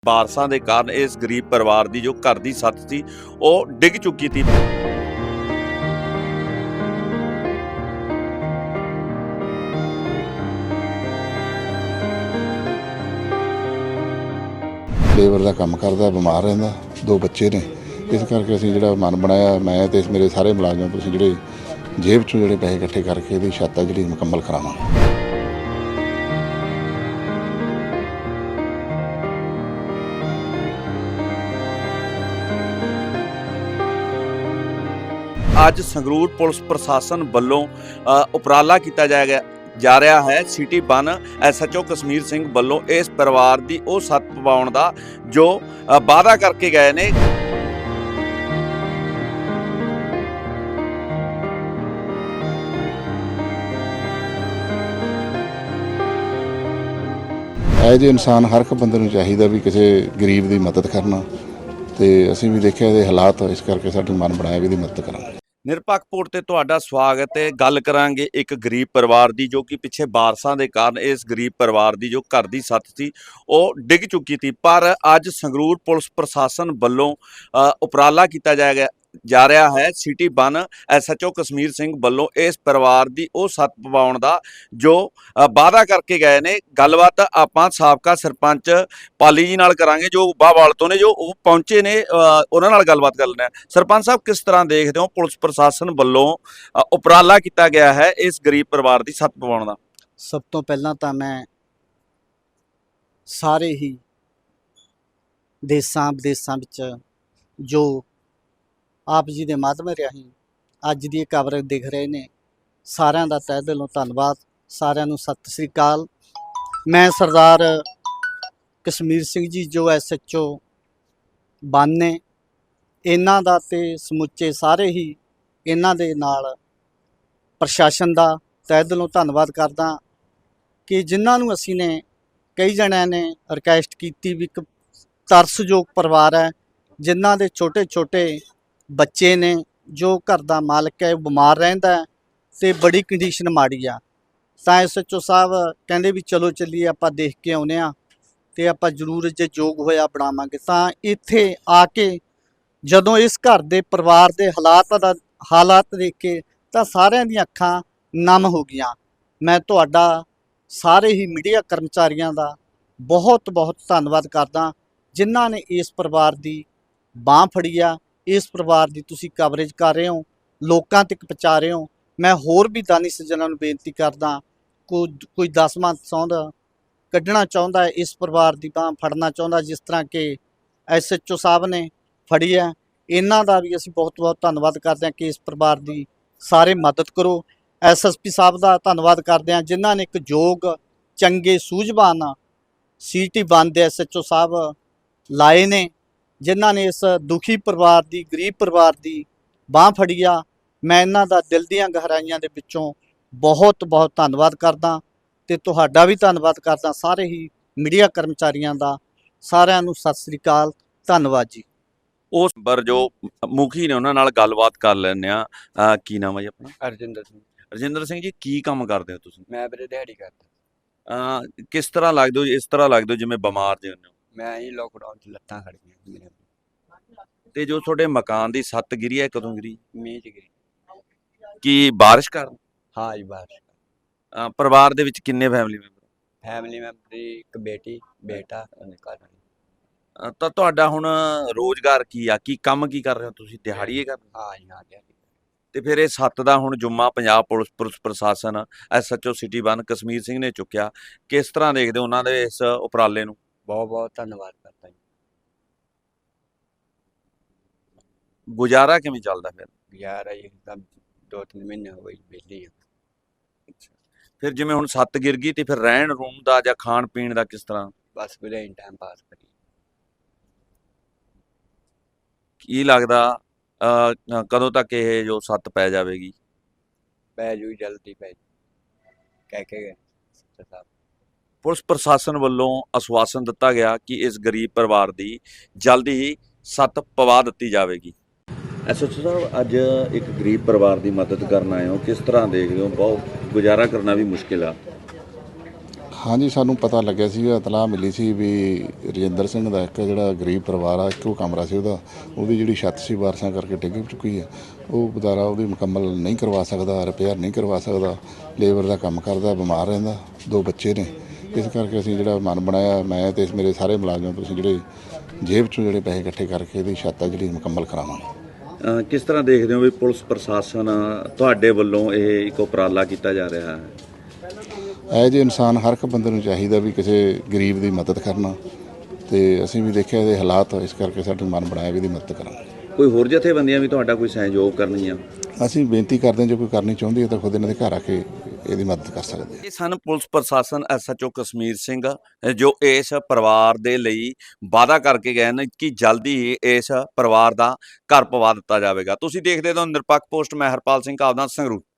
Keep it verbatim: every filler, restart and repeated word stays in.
ਬਾਰਸਾਂ ਦੇ ਕਾਰਨ ਇਸ ਗਰੀਬ ਪਰਿਵਾਰ ਦੀ ਜੋ ਘਰ ਦੀ ਛੱਤ ਸੀ ਉਹ ਡਿੱਗ ਚੁੱਕੀ ਸੀ। ਲੇਬਰ ਦਾ ਕੰਮ ਕਰਦਾ, ਬਿਮਾਰ ਰਹਿੰਦਾ, ਦੋ ਬੱਚੇ ਨੇ। ਇਸ ਕਰਕੇ ਅਸੀਂ ਜਿਹੜਾ ਮਨ ਬਣਾਇਆ, ਮੈਂ ਤੇ ਮੇਰੇ ਸਾਰੇ ਮੁਲਾਜ਼ਮ ਤੁਸੀਂ ਜਿਹੜੇ ਜੇਬ ਚੋਂ ਜਿਹੜੇ ਪੈਸੇ ਇਕੱਠੇ ਕਰਕੇ ਇਹਦੀ ਛੱਤ ਆ ਜਿਹੜੀ ਮੁਕੰਮਲ ਕਰਾਵਾਂਗੇ। ਅੱਜ ਸੰਗਰੂਰ ਪੁਲਿਸ ਪ੍ਰਸ਼ਾਸਨ ਵੱਲੋਂ ਉਪਰਾਲਾ ਕੀਤਾ ਜਾਏਗਾ ਜਾ ਰਿਹਾ ਹੈ। City one S H O Kashmir Singh ਵੱਲੋਂ ਇਸ ਪਰਿਵਾਰ ਦੀ ਉਹ ਛੱਤ ਪਵਾਉਣ ਦਾ ਜੋ ਵਾਅਦਾ ਕਰਕੇ ਗਏ ਨੇ। ਇਹ ਜਿਹੇ ਇਨਸਾਨ ਹਰ ਇੱਕ ਬੰਦੇ ਨੂੰ ਚਾਹੀਦਾ ਵੀ ਕਿਸੇ ਗਰੀਬ ਦੀ ਮਦਦ ਕਰਨਾ, ਤੇ ਅਸੀਂ ਵੀ ਦੇਖਿਆ ਇਹਦੇ ਹਾਲਾਤ, ਇਸ ਕਰਕੇ ਸਾਡਾ ਮਨ ਬਣਾਇਆ ਵੀ ਇਹਦੀ ਮਦਦ ਕਰਾਂਗੇ। ਨਿਰਪੱਖ ਰਿਪੋਰਟ ਤੇ ਤੁਹਾਡਾ ਸਵਾਗਤ ਹੈ। ਗੱਲ ਕਰਾਂਗੇ ਇੱਕ ਗਰੀਬ ਪਰਿਵਾਰ ਦੀ ਜੋ ਕਿ ਪਿੱਛੇ ਬਾਰਸਾਂ ਦੇ ਕਾਰਨ ਇਸ ਗਰੀਬ ਪਰਿਵਾਰ ਦੀ ਜੋ ਘਰ ਦੀ ਛੱਤ ਸੀ ਉਹ ਡਿੱਗ ਚੁੱਕੀ ਸੀ। ਪਰ ਅੱਜ ਸੰਗਰੂਰ ਪੁਲਿਸ ਪ੍ਰਸ਼ਾਸਨ ਵੱਲੋਂ ਉਪਰਾਲਾ ਕੀਤਾ ਜਾਏਗਾ ਜਾ ਰਿਹਾ ਹੈ। City one S H O Kashmir Singh ਵੱਲੋਂ ਇਸ ਪਰਿਵਾਰ ਦੀ ਉਹ ਛੱਤ ਪਵਾਉਣ ਦਾ ਜੋ ਵਾਅਦਾ ਕਰਕੇ ਗਏ ਨੇ। ਗੱਲਬਾਤ ਆਪਾਂ ਸਾਬਕਾ ਸਰਪੰਚ ਪਾਲੀ ਜੀ ਨਾਲ ਕਰਾਂਗੇ ਜੋ ਬਾਹਵਾਲ ਤੋਂ ਨੇ, ਜੋ ਉਹ ਪਹੁੰਚੇ ਨੇ, ਉਹਨਾਂ ਨਾਲ ਗੱਲਬਾਤ ਕਰ ਲੈਂਦੇ ਹਾਂ। ਸਰਪੰਚ ਸਾਹਿਬ, ਕਿਸ ਤਰ੍ਹਾਂ ਦੇਖਦੇ ਹੋ ਪੁਲਿਸ ਪ੍ਰਸ਼ਾਸਨ ਵੱਲੋਂ ਉਪਰਾਲਾ ਕੀਤਾ ਗਿਆ ਹੈ ਇਸ ਗਰੀਬ ਪਰਿਵਾਰ ਦੀ ਛੱਤ ਪਵਾਉਣ ਦਾ? ਸਭ ਤੋਂ ਪਹਿਲਾਂ ਤਾਂ ਮੈਂ ਸਾਰੇ ਹੀ ਦੇਸਾਂ ਵਿਦੇਸਾਂ ਵਿੱਚ ਜੋ ਆਪ ਜੀ ਦੇ ਮਾਧਿਅਮ ਰਾਹੀਂ ਅੱਜ ਦੀ ਇਹ ਕਵਰੇਜ ਦਿਖ ਰਹੇ ਨੇ, ਸਾਰਿਆਂ ਦਾ ਤਹਿ ਦਿਲੋਂ ਧੰਨਵਾਦ। ਸਾਰਿਆਂ ਨੂੰ ਸਤਿ ਸ੍ਰੀ ਅਕਾਲ। ਮੈਂ ਸਰਦਾਰ ਕਸ਼ਮੀਰ ਸਿੰਘ ਜੀ ਜੋ ਐਸ ਐਚ ਓ ਵਨ ਨੇ, ਇਹਨਾਂ ਦਾ ਤੇ ਸਮੁੱਚੇ ਸਾਰੇ ਹੀ ਇਹਨਾਂ ਦੇ ਨਾਲ ਪ੍ਰਸ਼ਾਸਨ ਦਾ ਤਹਿ ਦਿਲੋਂ ਧੰਨਵਾਦ ਕਰਦਾ ਕਿ ਜਿਨ੍ਹਾਂ ਨੂੰ ਅਸੀਂ ਨੇ ਕਈ ਜਣਿਆਂ ਨੇ ਰਿਕੁਐਸਟ ਕੀਤੀ ਵੀ ਇੱਕ ਤਰਸਯੋਗ ਪਰਿਵਾਰ ਹੈ ਜਿਨ੍ਹਾਂ ਦੇ ਛੋਟੇ ਛੋਟੇ ਬੱਚੇ ਨੇ, ਜੋ ਘਰ ਦਾ ਮਾਲਕ ਹੈ ਬਿਮਾਰ ਰਹਿੰਦਾ ਅਤੇ ਬੜੀ ਕੰਡੀਸ਼ਨ ਮਾੜੀ ਆ। ਤਾਂ ਐਸ ਐਚ ਓ ਸਾਹਿਬ ਕਹਿੰਦੇ ਵੀ ਚਲੋ ਚੱਲੀਏ ਆਪਾਂ ਦੇਖ ਕੇ ਆਉਂਦੇ ਹਾਂ ਅਤੇ ਆਪਾਂ ਜ਼ਰੂਰ ਜੇ ਯੋਗ ਹੋਇਆ ਬਣਾਵਾਂਗੇ। ਤਾਂ ਇੱਥੇ ਆ ਕੇ ਜਦੋਂ ਇਸ ਘਰ ਦੇ ਪਰਿਵਾਰ ਦੇ ਹਾਲਾਤ ਦਾ ਹਾਲਾਤ ਦੇਖ ਕੇ ਤਾਂ ਸਾਰਿਆਂ ਦੀਆਂ ਅੱਖਾਂ ਨਮ ਹੋ ਗਈਆਂ। ਮੈਂ ਤੁਹਾਡਾ ਸਾਰੇ ਹੀ ਮੀਡੀਆ ਕਰਮਚਾਰੀਆਂ ਦਾ ਬਹੁਤ ਬਹੁਤ ਧੰਨਵਾਦ ਕਰਦਾ ਜਿਨ੍ਹਾਂ ਨੇ ਇਸ ਪਰਿਵਾਰ ਦੀ ਬਾਂਹ ਫੜੀ ਆ। ਇਸ ਪਰਿਵਾਰ ਦੀ ਤੁਸੀਂ ਕਵਰੇਜ ਕਰ ਰਹੇ ਹੋ, ਲੋਕਾਂ ਤੱਕ ਪਹੁੰਚਾ ਰਹੇ ਹੋ। ਮੈਂ ਹੋਰ ਵੀ ਦਾਨੀ ਸੱਜਣਾਂ ਨੂੰ ਬੇਨਤੀ ਕਰਦਾ, ਕੋਈ ਕੋਈ ਦਸਵਾਂ ਸੌਂਦ ਕੱਢਣਾ ਚਾਹੁੰਦਾ, ਇਸ ਪਰਿਵਾਰ ਦੀ ਬਾਂਹ ਫੜਨਾ ਚਾਹੁੰਦਾ, ਜਿਸ ਤਰ੍ਹਾਂ ਕਿ ਐਸ ਐਚ ਓ ਸਾਹਿਬ ਨੇ ਫੜੀ ਹੈ, ਇਹਨਾਂ ਦਾ ਵੀ ਅਸੀਂ ਬਹੁਤ ਬਹੁਤ ਧੰਨਵਾਦ ਕਰਦੇ ਹਾਂ ਕਿ ਇਸ ਪਰਿਵਾਰ ਦੀ ਸਾਰੇ ਮਦਦ ਕਰੋ। ਐਸ ਐਸ ਪੀ ਸਾਹਿਬ ਦਾ ਧੰਨਵਾਦ ਕਰਦੇ ਹਾਂ ਜਿਨ੍ਹਾਂ ਨੇ ਇੱਕ ਯੋਗ ਚੰਗੇ ਸੂਝਵਾਨ ਸਿਟੀ ਵਨ ਦੇ ਐਸ ਐਚ ਓ ਸਾਹਿਬ ਲਾਏ ਨੇ, ਜਿਨ੍ਹਾਂ ਨੇ ਇਸ ਦੁਖੀ ਪਰਿਵਾਰ ਦੀ, ਗਰੀਬ ਪਰਿਵਾਰ ਦੀ ਬਾਂਹ ਫੜੀ ਆ। ਮੈਂ ਇਹਨਾਂ ਦਾ ਦਿਲ ਦੀਆਂ ਗਹਿਰਾਈਆਂ ਦੇ ਵਿੱਚੋਂ ਬਹੁਤ ਬਹੁਤ ਧੰਨਵਾਦ ਕਰਦਾ ਅਤੇ ਤੁਹਾਡਾ ਵੀ ਧੰਨਵਾਦ ਕਰਦਾ, ਸਾਰੇ ਹੀ ਮੀਡੀਆ ਕਰਮਚਾਰੀਆਂ ਦਾ। ਸਾਰਿਆਂ ਨੂੰ ਸਤਿ ਸ੍ਰੀ ਅਕਾਲ, ਧੰਨਵਾਦ ਜੀ। ਉਸ ਪਰ ਜੋ ਮੁਖੀ ਨੇ ਉਹਨਾਂ ਨਾਲ ਗੱਲਬਾਤ ਕਰ ਲੈਂਦੇ ਹਾਂ। ਕੀ ਨਾਮ ਹੈ ਜੀ ਆਪਣਾ? ਰਜਿੰਦਰ ਸਿੰਘ। ਰਜਿੰਦਰ ਸਿੰਘ ਜੀ, ਕੀ ਕੰਮ ਕਰਦੇ ਹੋ ਤੁਸੀਂ? ਮੈਂ ਵੀਰੇ ਦਿਹਾੜੀ ਕਰਦਾ। ਅਹ ਕਿਸ ਤਰ੍ਹਾਂ ਲੱਗਦੇ ਹੋ? ਇਸ ਤਰ੍ਹਾਂ ਲੱਗਦੇ ਹੋ ਜਿਵੇਂ ਬਿਮਾਰ ਜਿਹੇ ਹੁੰਦੇ ਹੋ? ਮੈਂ ਹੀ ਲੋਕਡਾਊਨ 'ਚ ਲੱਤਾਂ ਖੜ ਗਈਆਂ ਮੇਰੇ। ਤੇ ਜੋ ਤੁਹਾਡੇ ਮਕਾਨ ਦੀ ਛੱਤ ਗਿਰੀ ਹੈ, ਕਦੋਂ ਗਿਰੀ? ਮੀਂਹ 'ਚ ਗਈ। ਕੀ ਬਾਰਿਸ਼ ਕਾਰਨ? ਹਾਂ ਜੀ, ਬਾਰਿਸ਼। ਅਹ ਪਰਿਵਾਰ ਦੇ ਵਿੱਚ ਕਿੰਨੇ ਫੈਮਿਲੀ ਮੈਂਬਰ? ਫੈਮਿਲੀ ਮੈਂਬਰ ਦੀ ਇੱਕ ਬੇਟੀ, ਬੇਟਾ ਅਤੇ ਘਰ ਵਾਲੀ। ਅਹ ਤਾਂ ਤੁਹਾਡਾ ਹੁਣ ਰੋਜ਼ਗਾਰ ਕੀ ਆ? ਕੀ ਕੰਮ ਕੀ ਕਰ ਰਹੇ ਹੋ ਤੁਸੀਂ? ਦਿਹਾੜੀਏ ਕਰ ਰਹੇ ਹੋ? ਹਾਂ ਜੀ, ਹਾਂ ਦਿਹਾੜੀ। ਤੇ ਫਿਰ ਇਹ ਛੱਤ ਦਾ ਹੁਣ ਜੁੰਮਾ ਪੰਜਾਬ ਪੁਲਿਸ ਪੁਲਿਸ ਪ੍ਰਸ਼ਾਸਨ S H O city one Kashmir Singh ਨੇ ਚੁੱਕਿਆ। ਕਿਸ ਤਰ੍ਹਾਂ ਦੇਖਦੇ ਹੋ ਉਹਨਾਂ ਦੇ ਇਸ ਉਪਰਾਲੇ ਨੂੰ? ਬਹੁਤ ਬਹੁਤ ਧੰਨਵਾਦ ਕਰਦਾ ਜੀ। ਗੁਜ਼ਾਰਾ ਕਿਵੇਂ ਚੱਲਦਾ ਫਿਰ? ਯਾਰ ਇਹ ਤਾਂ ਦੋ ਤਿੰਨ ਮਹੀਨੇ ਹੋ ਗਏ ਵਿਹਲੀ ਆ। ਫਿਰ ਜਿਵੇਂ ਹੁਣ ਛੱਤ ਗਿਰ ਗਈ ਤੇ ਫਿਰ ਰਹਿਣ ਰੂਣ ਦਾ ਜਾਂ ਖਾਣ ਪੀਣ ਦਾ ਕਿਸ ਤਰ੍ਹਾਂ? ਬਸ ਵੀਰੇ ਟਾਈਮ ਪਾਸ ਕਰੀ। ਕੀ ਲੱਗਦਾ ਅਹ ਕਦੋਂ ਤੱਕ ਇਹ ਜੋ ਛੱਤ ਪੈ ਜਾਵੇਗੀ? ਪੈ ਜੂ ਜਲਦੀ ਪੈ ਜੂ ਕਹਿ ਕੇ ਗਏ ਸਾਹਿਬ। ਪੁਲਿਸ ਪ੍ਰਸ਼ਾਸਨ ਵੱਲੋਂ ਆਸ਼ਵਾਸਨ ਦਿੱਤਾ ਗਿਆ ਕਿ ਇਸ ਗਰੀਬ ਪਰਿਵਾਰ ਦੀ ਜਲਦੀ ਹੀ ਛੱਤ ਪਵਾ ਦਿੱਤੀ ਜਾਵੇਗੀ। ਐਸ ਐਚ ਓ ਸਾਹਿਬ, ਅੱਜ ਇੱਕ ਗਰੀਬ ਪਰਿਵਾਰ ਦੀ ਮਦਦ ਕਰਨ ਆਏ ਹੋ, ਕਿਸ ਤਰ੍ਹਾਂ ਦੇਖਦੇ ਹੋ? ਬਹੁਤ ਗੁਜ਼ਾਰਾ ਕਰਨਾ ਵੀ ਮੁਸ਼ਕਿਲ ਆ। ਹਾਂਜੀ, ਸਾਨੂੰ ਪਤਾ ਲੱਗਿਆ ਸੀ, ਇਤਲਾਹ ਮਿਲੀ ਸੀ ਵੀ ਰਜਿੰਦਰ ਸਿੰਘ ਦਾ ਇੱਕ ਜਿਹੜਾ ਗਰੀਬ ਪਰਿਵਾਰ ਆ, ਇੱਕੋ ਕਮਰਾ ਸੀ ਉਹਦਾ, ਉਹਦੀ ਜਿਹੜੀ ਛੱਤ ਸੀ ਬਾਰਿਸ਼ਾਂ ਕਰਕੇ ਡਿੱਗ ਚੁੱਕੀ ਹੈ। ਉਹ ਬਦਾਰਾ ਉਹਦੀ ਮੁਕੰਮਲ ਨਹੀਂ ਕਰਵਾ ਸਕਦਾ, ਰਿਪੇਅਰ ਨਹੀਂ ਕਰਵਾ ਸਕਦਾ, ਲੇਬਰ ਦਾ ਕੰਮ ਕਰਦਾ, ਬਿਮਾਰ ਰਹਿੰਦਾ, ਦੋ ਬੱਚੇ ਨੇ। ਇਸ ਕਰਕੇ ਅਸੀਂ ਜਿਹੜਾ ਮਨ ਬਣਾਇਆ, ਮੈਂ ਤੇ ਮੇਰੇ ਸਾਰੇ ਮੁਲਾਜ਼ਮ ਤੁਸੀਂ ਜਿਹੜੇ ਜੇਬ 'ਚੋਂ ਜਿਹੜੇ ਪੈਸੇ ਇਕੱਠੇ ਕਰਕੇ ਇਹਦੀ ਛੱਤ ਆ ਜਿਹੜੀ ਮੁਕੰਮਲ ਕਰਾਵਾਂਗੇ। ਅ, ਕਿਸ ਤਰ੍ਹਾਂ ਦੇਖਦੇ ਹੋ ਵੀ ਪੁਲਿਸ ਪ੍ਰਸ਼ਾਸਨ ਤੁਹਾਡੇ ਵੱਲੋਂ ਇਹ ਇੱਕ ਉਪਰਾਲਾ ਕੀਤਾ ਜਾ ਰਿਹਾ ਹੈ? ਇਹ ਜਿਹੇ ਇਨਸਾਨ ਹਰ ਇੱਕ ਬੰਦੇ ਨੂੰ ਚਾਹੀਦਾ ਵੀ ਕਿਸੇ ਗਰੀਬ ਦੀ ਮਦਦ ਕਰਨਾ, ਤੇ ਅਸੀਂ ਵੀ ਦੇਖਿਆ ਇਹਦੇ ਹਾਲਾਤ, ਇਸ ਕਰਕੇ ਸਾਡਾ ਮਨ ਬਣਾਇਆ ਵੀ ਇਹਦੀ ਮਦਦ ਕਰਾਂਗੇ। ਕੋਈ ਹੋਰ ਜਥੇਬੰਦੀਆਂ ਵੀ ਤੁਹਾਡਾ ਕੋਈ ਸਹਿਯੋਗ ਕਰਨੀਆਂ? ਅਸੀਂ ਬੇਨਤੀ ਕਰਦੇ ਹਾਂ, ਜੇ ਕੋਈ ਕਰਨੀ ਚਾਹੁੰਦੀ ਹੈ ਤਾਂ ਖੁਦ ਇਹਨਾਂ ਦੇ ਘਰ ਆ ਕੇ ਇਹਦੀ ਮਦਦ ਕਰ ਸਕਦੇ ਆ। ਇਹ ਸਨ ਪੁਲਿਸ ਪ੍ਰਸ਼ਾਸਨ S H O Kashmir Singh, ਜੋ ਇਸ ਪਰਿਵਾਰ ਦੇ ਲਈ ਵਾਅਦਾ ਕਰਕੇ ਗਏ ਨੇ ਕਿ ਜਲਦੀ ਹੀ ਇਸ ਪਰਿਵਾਰ ਦਾ ਘਰ ਪਵਾ ਦਿੱਤਾ ਜਾਵੇਗਾ। ਤੁਸੀਂ ਦੇਖਦੇ ਹੋ ਨਿਰਪੱਖ ਪੋਸਟ, ਮੈਂ ਹਰਪਾਲ ਸਿੰਘ ਕਾਵਦਾ, ਸੰਗਰੂਰ।